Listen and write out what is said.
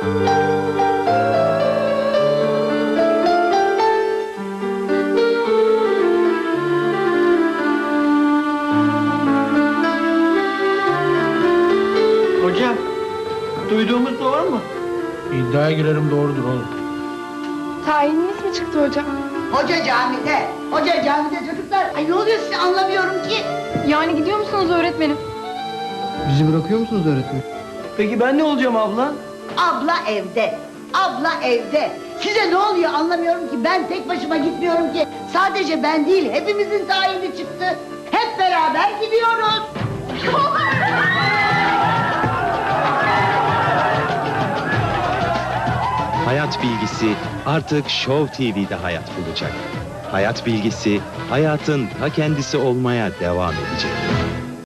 Hocam, duyduğumuz doğru mu? İddiaya girerim, doğrudur oğlum. Tayininiz mi çıktı hocam? Hoca camide, hoca camide çocuklar. Ay ne oluyor size anlamıyorum ki. Yani gidiyor musunuz öğretmenim? Bizi bırakıyor musunuz öğretmenim? Peki ben ne olacağım abla? Abla evde, abla evde. Size ne oluyor anlamıyorum ki. Ben tek başıma gitmiyorum ki. Sadece ben değil, hepimizin tayini çıktı. Hep beraber gidiyoruz. Hayat Bilgisi artık Show TV'de hayat bulacak. Hayat Bilgisi hayatın ta kendisi olmaya devam edecek.